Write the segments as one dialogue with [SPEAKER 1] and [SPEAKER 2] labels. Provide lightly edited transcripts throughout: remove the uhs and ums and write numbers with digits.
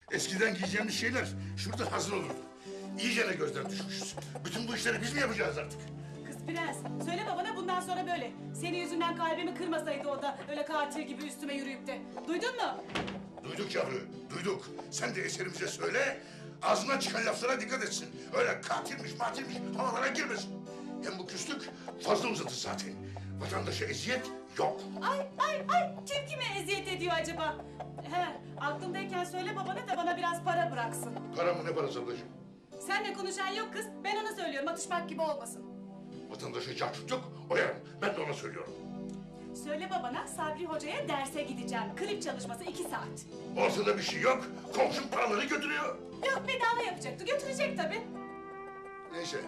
[SPEAKER 1] Eskiden giyeceğimiz şeyler şurada hazır olurdu. İyicene gözden düşmüşüz. Bütün bu işleri biz mi yapacağız artık?
[SPEAKER 2] Kız Prens, söyle babana bundan sonra böyle. Senin yüzünden kalbimi kırmasaydı o da öyle katil gibi üstüme yürüyüp de. Duydun mu?
[SPEAKER 1] Duyduk yavru, duyduk. Sen de eserimize söyle, ağzından çıkan laflara dikkat etsin. Öyle katilmiş, matilmiş havalara girmesin. Hem bu küslük fazla uzatır zaten. Vatandaşa eziyet yok.
[SPEAKER 2] Ay, kim kime eziyet ediyor acaba? He, aklımdayken söyle babana da bana biraz para bıraksın.
[SPEAKER 1] Para mı ne parası ablacığım?
[SPEAKER 2] Seninle konuşan yok kız, ben ona söylüyorum, atışmak gibi olmasın.
[SPEAKER 1] Vatandaşa cahçut yok, oyarım. Ben de ona söylüyorum.
[SPEAKER 2] Söyle babana, Sabri Hoca'ya derse gideceğim. Klip çalışması 2 saat.
[SPEAKER 1] Ortada bir şey yok, komşum paraları götürüyor.
[SPEAKER 2] Yok, bedava yapacaktı, götürecek tabii.
[SPEAKER 1] Neyse.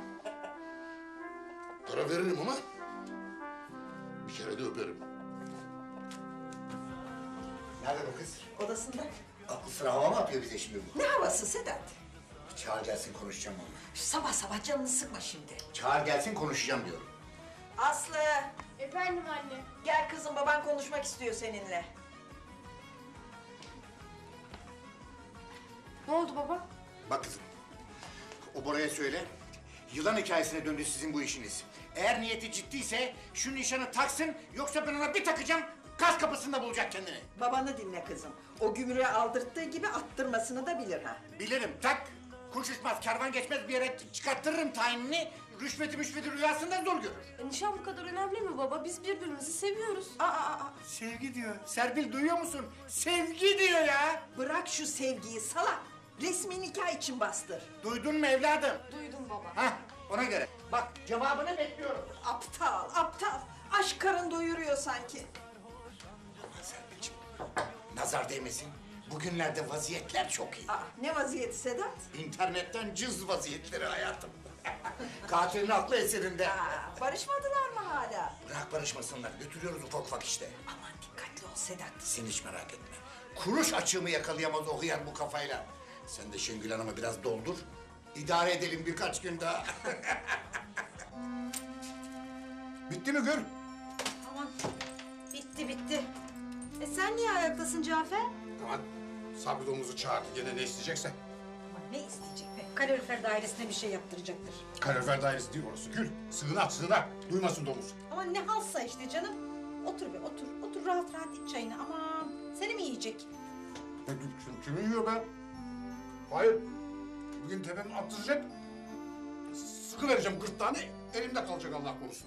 [SPEAKER 1] Para veririm ama bir kere de öperim.
[SPEAKER 3] Nerede bu kız?
[SPEAKER 4] Odasında.
[SPEAKER 3] Aklı sıra hava mı yapıyor bize şimdi bu?
[SPEAKER 4] Ne havası Sedat?
[SPEAKER 3] Çağır gelsin konuşacağım onunla.
[SPEAKER 4] Sabah sabah canını sıkma şimdi.
[SPEAKER 3] Çağır gelsin konuşacağım diyorum.
[SPEAKER 4] Aslı,
[SPEAKER 5] Efendim anne.
[SPEAKER 4] gel kızım, baban konuşmak istiyor seninle.
[SPEAKER 5] Ne oldu baba?
[SPEAKER 3] Bak kızım. O Bora'ya söyle. Yılan hikayesine döndü sizin bu işiniz. Eğer niyeti ciddiyse şu nişanı taksın, yoksa ben ona bir takacağım, gaz kapısında bulacak kendini.
[SPEAKER 4] Babanı dinle kızım. O gümrüğe aldırttığı gibi attırmasını da bilir ha.
[SPEAKER 3] Bilirim, tak. Kuş uçmaz, kervan geçmez bir yere çıkarttırırım tayinini. Rüşveti rüyasında zor görür.
[SPEAKER 5] Nişan bu kadar önemli mi baba? Biz birbirimizi seviyoruz.
[SPEAKER 3] Sevgi diyor. Serpil duyuyor musun? Sevgi diyor ya.
[SPEAKER 4] Bırak şu sevgiyi salak. Resmi nikah için bastır.
[SPEAKER 3] Duydun mu evladım?
[SPEAKER 5] Duydum baba.
[SPEAKER 3] Hah, ona göre. Bak cevabını bekliyorum.
[SPEAKER 4] Aptal. Aşk karın doyuruyor sanki.
[SPEAKER 3] Aman Serpil'ciğim, nazar değmesin. Bugünlerde vaziyetler çok iyi.
[SPEAKER 4] Ne vaziyeti Sedat?
[SPEAKER 3] İnternetten cız vaziyetleri hayatım. Katilin aklı eserinde.
[SPEAKER 4] Barışmadılar mı hala?
[SPEAKER 3] Bırak barışmasınlar, götürüyoruz ufak ufak işte.
[SPEAKER 4] Aman dikkatli ol Sedat.
[SPEAKER 3] Sen hiç merak etme. Kuruş açığımı yakalayamaz o hıyar bu kafayla. Sen de Şengül Hanım'ı biraz doldur. İdare edelim birkaç gün daha. Bitti mi Gül?
[SPEAKER 6] Tamam. Bitti. Sen niye ayaktasın Cafer?
[SPEAKER 1] Aman Sabri domuzu çağırdı gene ne isteyecekse.
[SPEAKER 6] Ama ne isteyecek be? Kalorifer dairesine bir şey yaptıracaktır.
[SPEAKER 1] Kalorifer dairesi değil orası Gül. Sığınak. Duymasın domuz.
[SPEAKER 6] Ama ne halsa işte canım. Otur be otur. Otur rahat iç çayını. Aman seni mi yiyecek?
[SPEAKER 1] Kimi yiyor be? Hayır. Bugün tepemi attıracak. Sıkıvereceğim 40 tane elimde kalacak Allah korusun.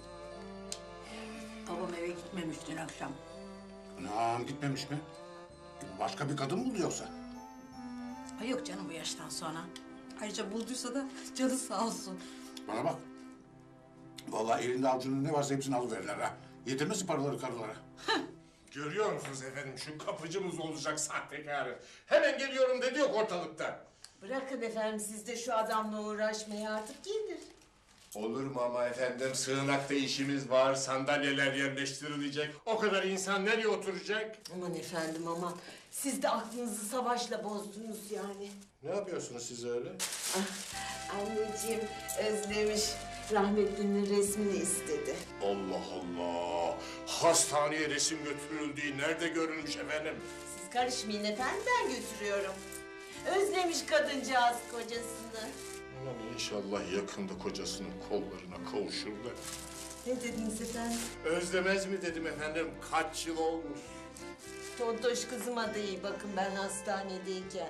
[SPEAKER 7] Babam eve gitmemiş dün akşam.
[SPEAKER 1] Anam gitmemiş mi? Başka bir kadın mı buldu yoksa?
[SPEAKER 7] Ay yok canım bu yaştan sonra. Ayrıca bulduysa da canı sağ olsun.
[SPEAKER 1] Bana bak. Vallahi elinde avucunda ne varsa hepsini alıverirler ha. Yedirmesin paraları karılara.
[SPEAKER 8] Görüyor musunuz efendim şu kapıcımız olacak sahtekarı. Hemen geliyorum dedi yok ortalıkta.
[SPEAKER 9] Bırakın efendim siz de şu adamla uğraşmayı artık gelir.
[SPEAKER 8] Olur mu ama efendim sığınakta işimiz var, sandalyeler yerleştirilecek. O kadar insan nereye oturacak?
[SPEAKER 9] Aman efendim aman. Siz de aklınızı savaşla bozdunuz yani.
[SPEAKER 8] Ne yapıyorsunuz siz öyle?
[SPEAKER 9] Anneciğim özlemiş. Rahmetlinin resmini istedi.
[SPEAKER 8] Allah Allah! Hastaneye resim götürüldüğü nerede görülmüş efendim?
[SPEAKER 9] Siz karışmayın efendim ben götürüyorum. Özlemiş kadıncağız kocasını.
[SPEAKER 8] Aman inşallah yakında kocasının kollarına kavuşur da.
[SPEAKER 9] Ne dediniz efendim?
[SPEAKER 8] Özlemez mi dedim efendim, kaç yıl olmuş.
[SPEAKER 9] Tontoş kızıma da iyi bakın ben hastanedeyken.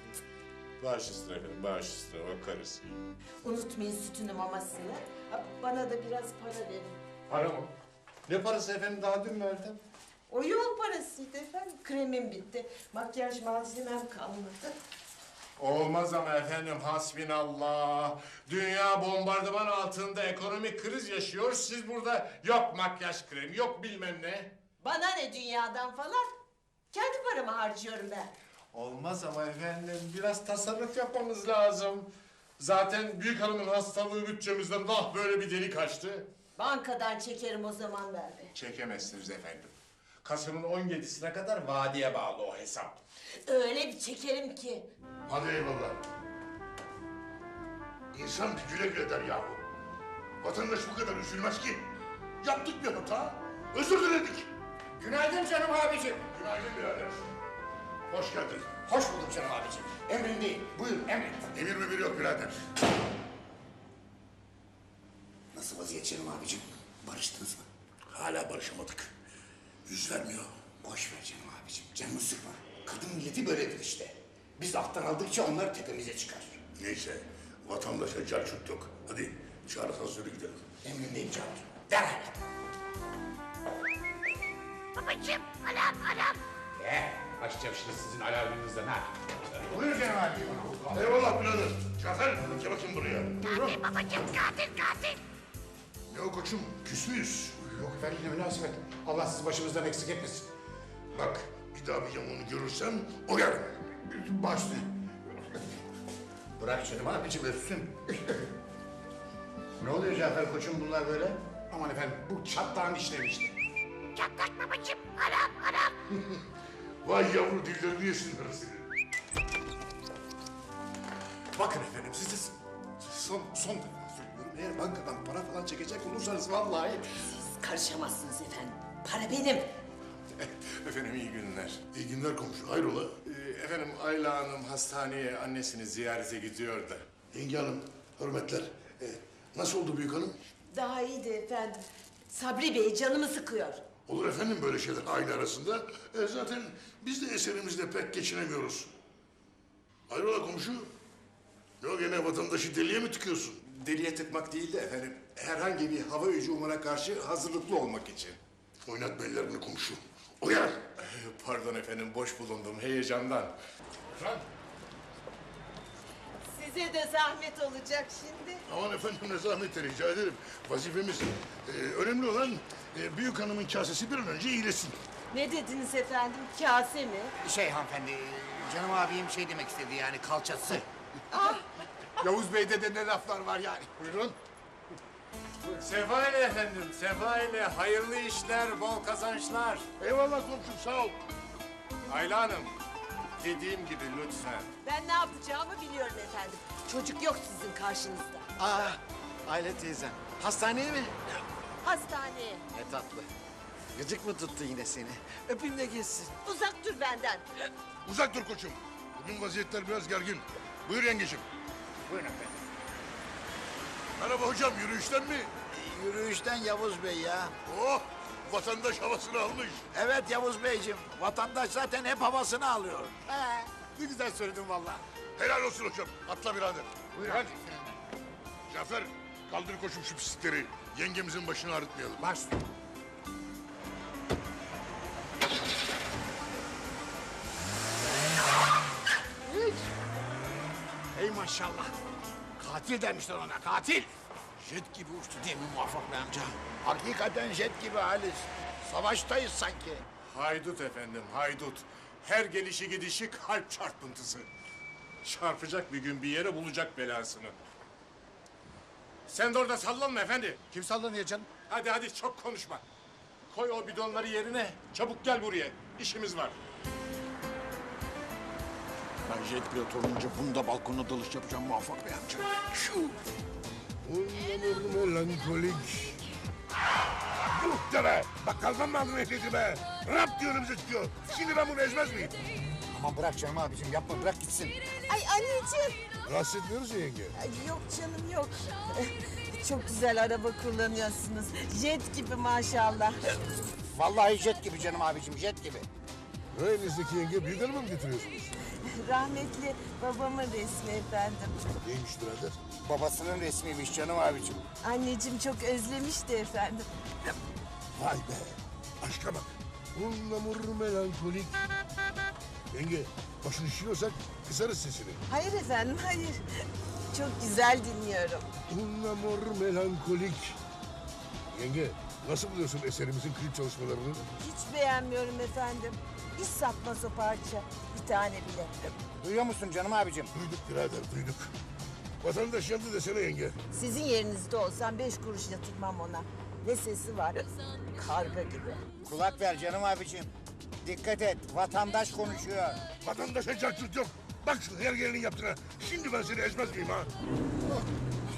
[SPEAKER 8] Baş üstüne efendim, baş üstüne bakarız.
[SPEAKER 9] Unutmayın sütünü mamasını. Bana da biraz para verin.
[SPEAKER 8] Para mı? Ne parası efendim, daha dün verdim.
[SPEAKER 9] O yol parasıydı efendim. Kremim bitti. Makyaj malzemem kalmadı.
[SPEAKER 8] Olmaz ama efendim, hasbinallah. Dünya bombardıman altında ekonomik kriz yaşıyor. Siz burada yok makyaj kremi, yok bilmem ne.
[SPEAKER 9] Bana ne dünyadan falan? Kendi paramı harcıyorum ben.
[SPEAKER 8] Olmaz ama efendim, biraz tasarruf yapmamız lazım. Zaten büyük hanımın hastalığı bütçemizden böyle bir delik açtı.
[SPEAKER 9] Bankadan çekerim o zaman ben de.
[SPEAKER 8] Çekemezsiniz efendim. Kasım'ın 17'sine kadar vadeye bağlı o hesap.
[SPEAKER 9] Öyle bir çekerim ki.
[SPEAKER 1] Hadi eyvallah. İnsan bir güle güle der yahu. Vatandaş bu kadar üzülmez ki. Yaptık bir hata, özür diledik.
[SPEAKER 3] Günaydın canım abicim.
[SPEAKER 1] Günaydın birader. Hoş geldin.
[SPEAKER 3] Hoş bulduk canım abicim. Emrindeyim. Buyurun emret.
[SPEAKER 1] Emir mi bir yok birader.
[SPEAKER 3] Nasıl vaziyet canım abicim? Barıştınız mı?
[SPEAKER 1] Hala barışamadık. Yüz vermiyor.
[SPEAKER 3] Boş ver canım abicim. Canını sıkma. Kadın milleti böyledir işte. Biz alttan aldıkça onlar tepemize çıkar.
[SPEAKER 1] Neyse, vatandaşa carçut yok. Hadi çağrı hazırı gidelim.
[SPEAKER 3] Emrindeyim canım. Derhal.
[SPEAKER 9] Babacığım, alarm.
[SPEAKER 10] Açacağım şimdi sizin alarmınızdan ha.
[SPEAKER 3] Buyur canım abicim.
[SPEAKER 1] Eyvallah birader. Cafer, gel bakayım buraya.
[SPEAKER 9] Katil babacığım, katil.
[SPEAKER 1] Ne o koçum, küs müyüz?
[SPEAKER 3] Yok efendim ne münasebet. Allah sizi başımızdan eksik etmesin.
[SPEAKER 1] Bak, bir daha bir yamuğunu görürsem oyarım.
[SPEAKER 3] Başlayın. Bırak canım abicim öpsün. Ne oluyor Cafer koçum bunlar böyle?
[SPEAKER 10] Aman efendim bu çatlağın işleri işte.
[SPEAKER 9] Çatlak babacığım, alarm.
[SPEAKER 1] Vay yavru dillerini yesinler seni.
[SPEAKER 10] Bakın efendim size son defa söylüyorum. Eğer bankadan para falan çekecek olursanız vallahi...
[SPEAKER 9] Karışamazsınız efendim. Para benim.
[SPEAKER 8] Efendim iyi günler.
[SPEAKER 1] İyi günler komşu, hayrola?
[SPEAKER 8] Efendim Ayla Hanım hastaneye annesini ziyarete gidiyor da.
[SPEAKER 1] Yenge hanım, hürmetler. Nasıl oldu büyük hanım?
[SPEAKER 9] Daha iyiydi efendim. Sabri Bey canımı sıkıyor.
[SPEAKER 1] Olur efendim böyle şeyler aile arasında. Zaten biz de eserimizle pek geçinemiyoruz. Hayrola komşu? Ne o gene vatandaşı deliye mi tıkıyorsun?
[SPEAKER 8] Deliye tıkmak değil de efendim herhangi bir hava hücumuna karşı hazırlıklı olmak için.
[SPEAKER 1] Oynatma ellerini komşu. Uyar!
[SPEAKER 8] Pardon efendim boş bulundum heyecandan.
[SPEAKER 9] Size de zahmet olacak şimdi.
[SPEAKER 1] Aman efendim ne zahmeti rica ederim. Vazifemiz. Önemli olan büyük hanımın kasesi bir an önce iyileşsin.
[SPEAKER 9] Ne dediniz efendim? Kase mi?
[SPEAKER 3] Hanımefendi, canım abim şey demek istedi yani kalçası.
[SPEAKER 10] Yavuz Bey'de de ne laflar var yani.
[SPEAKER 1] Buyurun.
[SPEAKER 8] Sefa ile efendim, sefa ile hayırlı işler, bol kazançlar.
[SPEAKER 1] Eyvallah komşum sağ ol.
[SPEAKER 8] Ayla Hanım, dediğim gibi lütfen.
[SPEAKER 9] Ben ne yapacağımı biliyorum efendim. Çocuk yok sizin karşınızda.
[SPEAKER 10] Aile teyzem. Hastaneye mi?
[SPEAKER 9] Hastaneye.
[SPEAKER 10] Ne tatlı. Gıcık mı tuttu yine seni? Öpeyim de geçsin.
[SPEAKER 9] Uzak dur benden.
[SPEAKER 1] Uzak dur koçum. Bugün vaziyetler biraz gergin. Buyur yengeciğim.
[SPEAKER 3] Buyurun efendim.
[SPEAKER 1] Merhaba hocam yürüyüşten mi?
[SPEAKER 11] Yürüyüşten Yavuz Bey ya.
[SPEAKER 1] Oh vatandaş havasını almış.
[SPEAKER 11] Evet Yavuz Beyciğim. Vatandaş zaten hep havasını alıyor.
[SPEAKER 10] Ne güzel söyledin vallahi.
[SPEAKER 1] Helal olsun hocam. Atla birader.
[SPEAKER 3] Buyurun.
[SPEAKER 1] Hadi. Cafer kaldır koçum şu pislikleri. Yengemizin başını ağrıtmayalım.
[SPEAKER 10] Baş.
[SPEAKER 11] Ey maşallah. Katil demişler ona katil. Jet gibi uçtu değil mi Muvaffak Bey amca? Hakikaten jet gibi Halis. Savaştayız sanki.
[SPEAKER 8] Haydut efendim, haydut. Her gelişi gidişi kalp çarpıntısı. Çarpacak bir gün bir yere bulacak belasını. Sen de orada sallanma efendi.
[SPEAKER 10] Kim sallanıyor canım?
[SPEAKER 8] Hadi çok konuşma. Koy o bidonları yerine. Çabuk gel buraya. İşimiz var.
[SPEAKER 11] Ben jet pilot olunca bunu da balkonda dalış yapacağım Muvaffak Bey amca.
[SPEAKER 1] Onur melankolik. Yuh de be! Bakkaldan mı aldın ehliyeti be? Rap diyor önümüze çıkıyor. Şimdi ben bunu ezmez miyim?
[SPEAKER 3] Aman bırak canım abicim yapma bırak gitsin.
[SPEAKER 9] Ay anneciğim.
[SPEAKER 1] Rahatsız etmiyoruz ya yenge.
[SPEAKER 9] Ay, yok canım yok. Çok güzel araba kullanıyorsunuz. Jet gibi maşallah.
[SPEAKER 3] Vallahi jet gibi canım abicim jet gibi.
[SPEAKER 1] Elinizdeki yenge büyük hanıma mı getiriyorsunuz?
[SPEAKER 9] Rahmetli babamın resmi efendim.
[SPEAKER 1] Neymiş birader?
[SPEAKER 3] Babasının resmiymiş canım abicim.
[SPEAKER 9] Anneciğim çok özlemişti efendim.
[SPEAKER 1] Vay be! Aşka bak. Unlamur melankolik. Yenge, başını şişiyorsak kısarız sesini.
[SPEAKER 9] Hayır efendim hayır. Çok güzel dinliyorum.
[SPEAKER 1] Unlamur melankolik. Yenge, nasıl buluyorsun eserimizin klip çalışmalarını?
[SPEAKER 9] Hiç beğenmiyorum efendim. Hiç satmaz o parça. Bir tane bile.
[SPEAKER 3] Duyuyor musun canım abicim?
[SPEAKER 1] Duyduk birader, duyduk. Vatandaş yandı desene yenge.
[SPEAKER 9] Sizin yerinizde olsam 5 kuruş yatırmam ona. Ne sesi var? Karga gibi.
[SPEAKER 3] Kulak ver canım abicim. Dikkat et vatandaş konuşuyor.
[SPEAKER 1] Vatandaşa cartçut yok. Bak şu her gelinin yaptığına. Şimdi ben seni ezmez miyim ha?